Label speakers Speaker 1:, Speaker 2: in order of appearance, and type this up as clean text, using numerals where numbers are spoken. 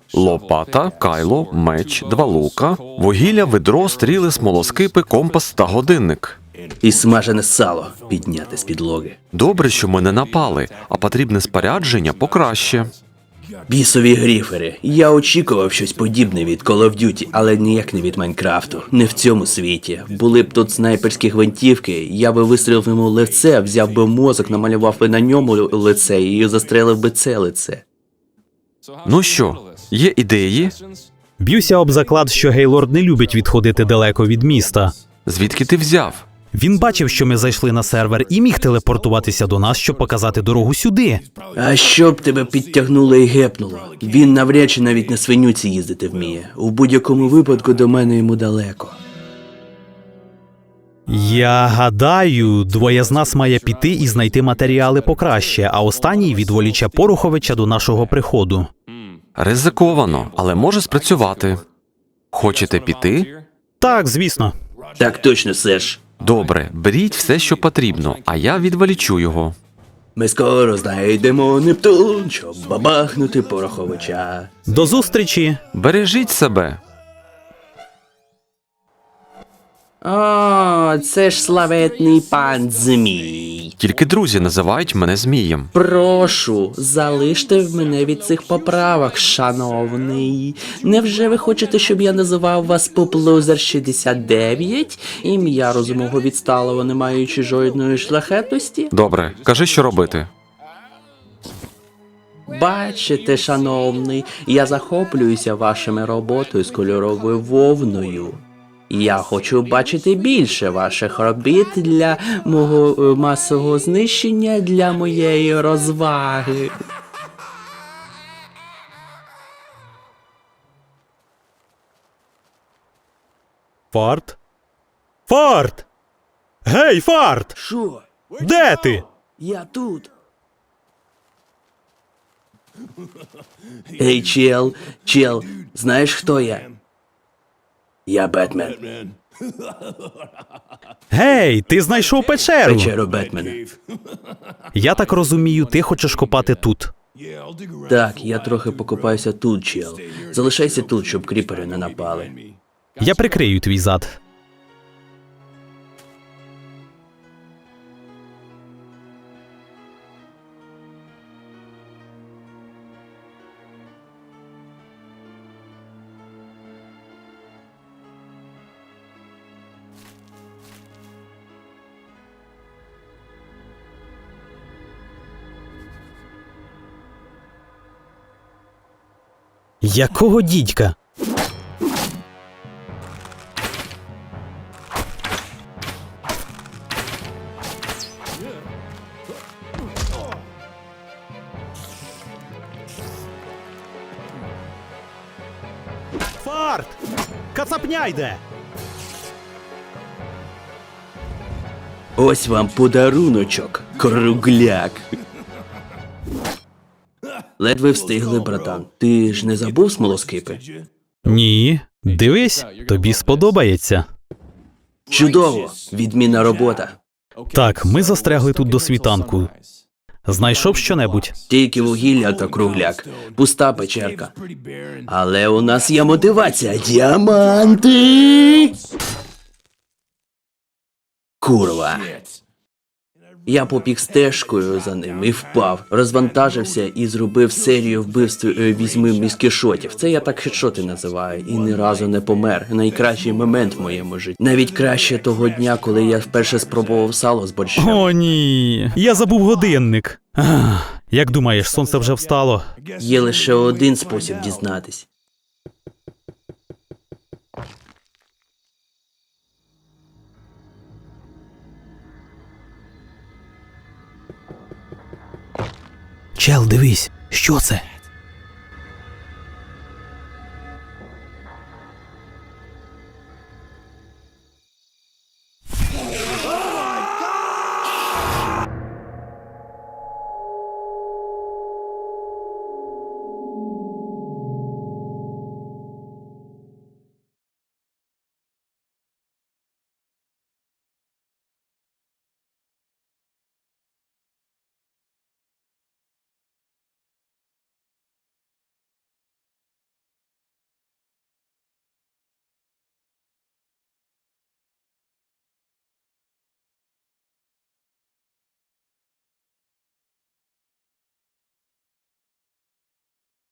Speaker 1: лопата, кайло, меч, 2 лука, вугілля, ведро, стріли, смолоскипи, компас та годинник.
Speaker 2: І смажене сало підняти з підлоги.
Speaker 1: Добре, що ми не напали, а потрібне спорядження покраще.
Speaker 2: Бісові гріфери. Я очікував щось подібне від Call of Duty, але ніяк не від Майнкрафту. Не в цьому світі. Були б тут снайперські гвинтівки, я би вистрілив йому в лице, взяв би мозок, намалював би на ньому лице і застрелив би це лице.
Speaker 1: Ну що, є ідеї?
Speaker 3: Б'юся об заклад, що Гейлорд не любить відходити далеко від міста.
Speaker 1: Звідки ти взяв?
Speaker 3: Він бачив, що ми зайшли на сервер і міг телепортуватися до нас, щоб показати дорогу сюди.
Speaker 2: А щоб тебе підтягнуло і гепнуло? Він навряд чи навіть на свинюці їздити вміє. У будь-якому випадку до мене йому далеко.
Speaker 3: Я гадаю, двоє з нас має піти і знайти матеріали покраще, а останній відволіче Пороховича до нашого приходу.
Speaker 1: Ризиковано, але може спрацювати. Хочете піти?
Speaker 3: Так, звісно.
Speaker 2: Так точно, Серж.
Speaker 1: Добре, беріть все, що потрібно, а я відволічу його.
Speaker 2: Ми скоро знайдемо Нептун, щоб бабахнути Пороховича.
Speaker 3: До зустрічі.
Speaker 1: Бережіть себе.
Speaker 2: О, це ж славетний пан Змій.
Speaker 1: Тільки друзі називають мене Змієм.
Speaker 2: Прошу, залиште в мене від цих поправок, шановний. Невже ви хочете, щоб я називав вас Поплузер 69? Ім'я розумного відсталого, не маючи жодної шляхетності?
Speaker 1: Добре, кажи, що робити.
Speaker 2: Бачите, шановний, я захоплююся вашими роботою з кольоровою вовною. Я хочу бачити більше ваших робіт для мого масового знищення, для моєї розваги.
Speaker 3: Фарт? Фарт! Гей, Фарт!
Speaker 2: Що?
Speaker 3: Де ти?
Speaker 2: Я тут. Ей, чел, знаєш, хто я? Я Бетмен.
Speaker 3: Гей, ти знайшов печеру.
Speaker 2: Печеру Бетмена.
Speaker 3: Я так розумію, ти хочеш копати тут.
Speaker 2: Так, я трохи покопаюся тут, чел. Залишайся тут, щоб кріпери не напали.
Speaker 3: Я прикрию твій зад. Якого дідька? Фарт! Кацапня йде!
Speaker 2: Ось вам подаруночок, кругляк. Ледве встигли, братан. Ти ж не забув смолоскипи?
Speaker 3: Ні, дивись, тобі сподобається.
Speaker 2: Чудово! Відмінна робота.
Speaker 3: Так, ми застрягли тут до світанку. Знайшов щонебудь?
Speaker 2: Тільки вугілля та кругляк. Пуста печерка. Але у нас є мотивація. Діаманти! Курва. Я побіг стежкою за ним і впав, розвантажився і зробив серію вбивств 8 міскішотів. Це я так хедшоти називаю, і ні разу не помер. Найкращий момент в моєму житті. Навіть краще того дня, коли я вперше спробував сало з борщем.
Speaker 3: О, ні. Я забув годинник. Як думаєш, сонце вже встало?
Speaker 2: Є лише один спосіб дізнатись.
Speaker 3: Чел, дивись, що це?